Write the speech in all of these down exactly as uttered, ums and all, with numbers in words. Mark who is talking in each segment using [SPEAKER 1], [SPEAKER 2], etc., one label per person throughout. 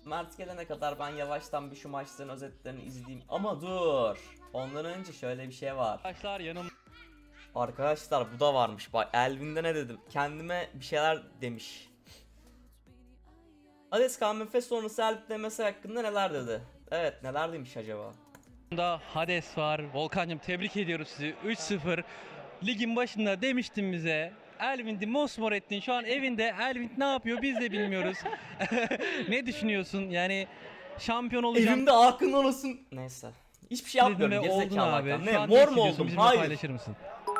[SPEAKER 1] Mert gelene kadar ben yavaştan bir şu maçların özetlerini izleyeyim. Ama dur. Ondan önce şöyle bir şey var.
[SPEAKER 2] Arkadaşlar yanım.
[SPEAKER 1] Arkadaşlar bu da varmış. Bak Elvin'de ne dedim? Kendime bir şeyler demiş. Hades K M F sonrası Elvin demesi hakkında neler dedi? Evet, neler demiş acaba?
[SPEAKER 2] Da Hades var. Volkan'cığım tebrik ediyoruz sizi. üç sıfır. Ligin başında demiştin bize. Elvind'i mosmor ettin. Şu an evinde Elvind ne yapıyor biz de bilmiyoruz. Ne düşünüyorsun? Yani şampiyon olacağım.
[SPEAKER 1] Evimde aklın olsun. Neyse. Hiçbir şey yapmıyorum. Gerizekalı
[SPEAKER 2] abi.
[SPEAKER 1] hakan.
[SPEAKER 2] Şu
[SPEAKER 1] Ne?
[SPEAKER 2] an
[SPEAKER 1] Mor mu
[SPEAKER 2] hissediyorsun?
[SPEAKER 1] oldum?
[SPEAKER 2] Bizimle
[SPEAKER 1] Hayır.
[SPEAKER 2] paylaşır mısın?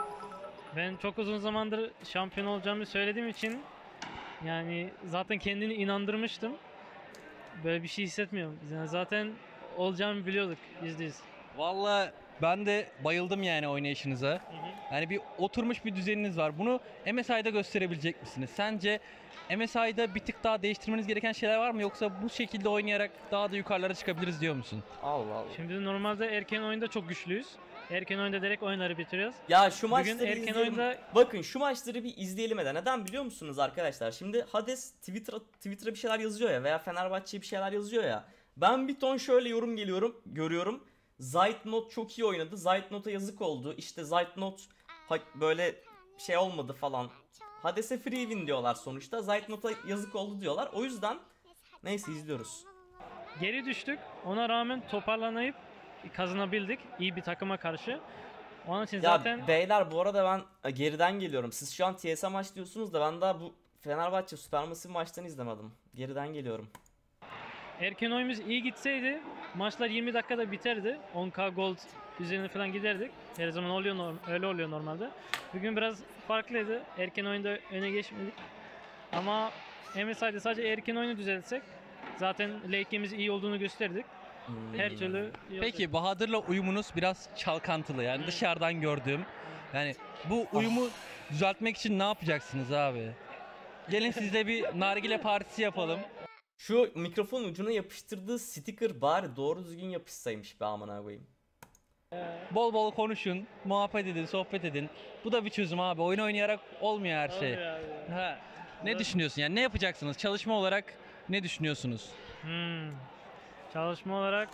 [SPEAKER 3] Ben çok uzun zamandır şampiyon olacağımı söylediğim için yani zaten kendini inandırmıştım. Böyle bir şey hissetmiyorum. Yani zaten olacağımı biliyorduk yüzde yüz.
[SPEAKER 2] Vallahi ben de bayıldım yani oynayışınıza. Yani bir oturmuş bir düzeniniz var. Bunu M S I'da gösterebilecek misiniz? Sence M S I'da bir tık daha değiştirmeniz gereken şeyler var mı? Yoksa bu şekilde oynayarak daha da yukarılara çıkabiliriz diyor musun?
[SPEAKER 1] Allah Allah.
[SPEAKER 3] Şimdi normalde erken oyunda çok güçlüyüz. Erken oyunda direkt oyunları bitiriyoruz.
[SPEAKER 1] Ya şu
[SPEAKER 3] Bugün
[SPEAKER 1] maçları
[SPEAKER 3] erken
[SPEAKER 1] izleyelim.
[SPEAKER 3] oyunda-
[SPEAKER 1] Bakın şu maçları bir izleyelim de. Neden biliyor musunuz arkadaşlar? Şimdi Hades Twitter'a Twitter'a bir şeyler yazıyor ya veya Fenerbahçe'ye bir şeyler yazıyor ya. Ben bir ton şöyle yorum geliyorum, görüyorum. Zeitnot çok iyi oynadı. Zeitnot'a yazık oldu. İşte Zeitnot ha- böyle şey olmadı falan. Hades'e free win diyorlar sonuçta. Zeitnot'a yazık oldu diyorlar. O yüzden neyse izliyoruz.
[SPEAKER 3] Geri düştük. Ona rağmen toparlanayıp kazanabildik iyi bir takıma karşı. Onun için
[SPEAKER 1] Ya
[SPEAKER 3] zaten
[SPEAKER 1] beyler bu arada ben geriden geliyorum. Siz şu an T S A maç diyorsunuz da ben daha bu Fenerbahçe Süpermassive maçtan izlemedim. Geriden geliyorum.
[SPEAKER 3] erken oyunumuz iyi gitseydi maçlar yirmi dakikada biterdi. on K gold üzerine falan giderdik. Her zaman oluyor norm- öyle oluyor normalde. Bugün biraz farklıydı. Erken oyunda öne geçmedik. Ama M S I'de sadece erken oyunu düzeltsek zaten late game'imiz iyi olduğunu gösterdik.
[SPEAKER 1] Hmm.
[SPEAKER 3] Her türlü iyi
[SPEAKER 2] Peki Bahadır'la uyumunuz biraz çalkantılı yani dışarıdan gördüğüm. Yani bu uyumu düzeltmek için ne yapacaksınız abi? Gelin sizle bir nargile partisi yapalım.
[SPEAKER 1] Şu mikrofon ucuna yapıştırdığı sticker bari doğru düzgün yapışsaymış be amına koyayım.
[SPEAKER 2] Bol bol konuşun, muhabbet edin, sohbet edin. Bu da bir çözüm abi. Oyun oynayarak olmuyor her şey.
[SPEAKER 3] Olmuyor abi.
[SPEAKER 2] Ha. Ne düşünüyorsun yani ne yapacaksınız? Çalışma olarak ne düşünüyorsunuz?
[SPEAKER 3] Hmm. Çalışma olarak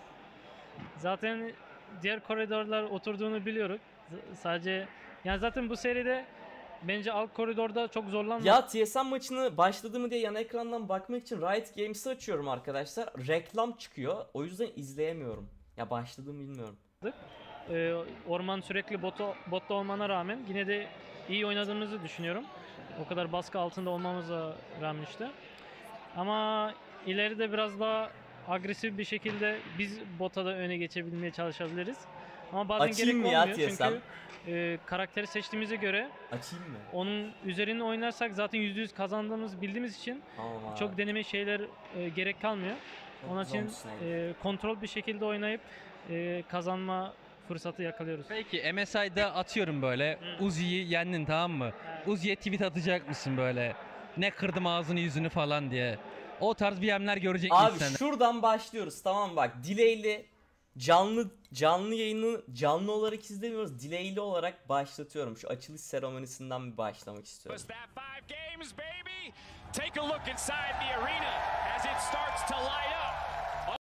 [SPEAKER 3] zaten diğer koridorlar oturduğunu biliyoruz. Z- sadece yani zaten bu seride bence alt koridorda çok zorlanmadık.
[SPEAKER 1] Ya T S M maçını başladı mı diye yan ekrandan bakmak için Riot Games'i açıyorum arkadaşlar. Reklam çıkıyor. O yüzden izleyemiyorum. Ya başladığımı bilmiyorum.
[SPEAKER 3] Ee, orman sürekli botu, botta olmana rağmen yine de iyi oynadığımızı düşünüyorum. O kadar baskı altında olmamıza rağmen işte. Ama ileride biraz daha agresif bir şekilde biz bota da öne geçebilmeye çalışabiliriz. Ama bazen
[SPEAKER 1] Açayım
[SPEAKER 3] gerek
[SPEAKER 1] mı ya
[SPEAKER 3] olmuyor
[SPEAKER 1] T S M?
[SPEAKER 3] çünkü e, karakteri seçtiğimize göre
[SPEAKER 1] Açayım mı?
[SPEAKER 3] onun üzerine oynarsak zaten yüzde yüz kazandığımızı bildiğimiz için
[SPEAKER 1] Tamam abi.
[SPEAKER 3] çok deneme şeyler e, gerek kalmıyor.
[SPEAKER 1] Çok
[SPEAKER 3] Onun
[SPEAKER 1] güzel
[SPEAKER 3] için
[SPEAKER 1] olmuşsun
[SPEAKER 3] e, kontrol bir şekilde oynayıp e, kazanma fırsatı yakalıyoruz.
[SPEAKER 2] Peki M S I'da atıyorum böyle Uzi'yi yendin tamam mı? Uzi'ye tweet atacak mısın böyle? Ne kırdım ağzını yüzünü falan diye. O tarz B M'ler görecek miyiz
[SPEAKER 1] Abi
[SPEAKER 2] senden?
[SPEAKER 1] şuradan başlıyoruz tamam bak. Delay'li canlı canlı yayını canlı olarak izlemiyoruz. Delay'li olarak başlatıyorum. Şu açılış seremonisinden bir başlamak istiyorum.
[SPEAKER 4] Was that five games, baby? Take a look inside the arena as it starts to light up.